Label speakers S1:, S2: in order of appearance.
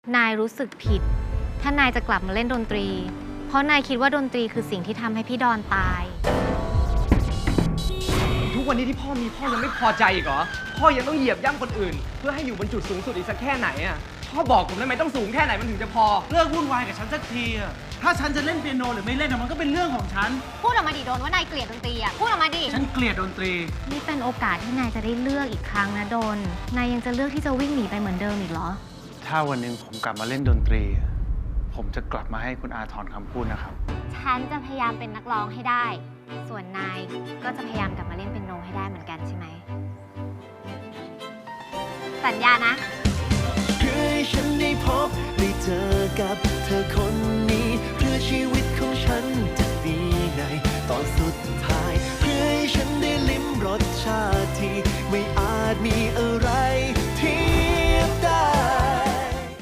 S1: นายรู้สึกผิด ถ้านายจะกลับมาเล่นดนตรี เพราะนายคิดว่าดนตรีคือสิ่งที่ทำให้พี่ดอนตาย
S2: ทุกวันนี้ที่พ่อมีพ่อยังไม่พอใจอีกเหรอ พ่อยังต้องเหยียบย่ำคนอื่น เพื่อให้อยู่บนจุดสูงสุดอีกสักแค่ไหนอ่ะ พ่อบอกผมได้ไหมต้องสูงแค่ไหนมันถึงจะพอ
S3: เลิกวุ่นวายกับฉันสักทีอะถ้าฉันจะเล่นเปียโนหรือไม่เล่นอะมันก็เป็นเรื่องของฉัน
S1: พูดออกมาดิโดนว่านายเกลียดดนตรีอ่ะ พูดออกมาดิ
S3: ฉันเกลียดดนตรี
S1: นี่เป็นโอกาสที่นายจะได้เลือกอีกครั้งนะโดน นายยังจะเลือกที่จะวิ่งหนีไปเหมือนเดิมอีกเหรอ
S4: ถ้าวันหนึ่งผมกลับมาเล่นดนตรี ผมจะกลับมาให้คุณอาถอนคำพูดนะครับ
S1: ฉันจะพยายามเป็นนักร้องให้ได้ ส่วนนายก็จะพยายามกลับมาเล่นเปียโนให้ได้เหมือนกันใช่ไหม สัญญานะ
S5: เพื่อให้ฉันได้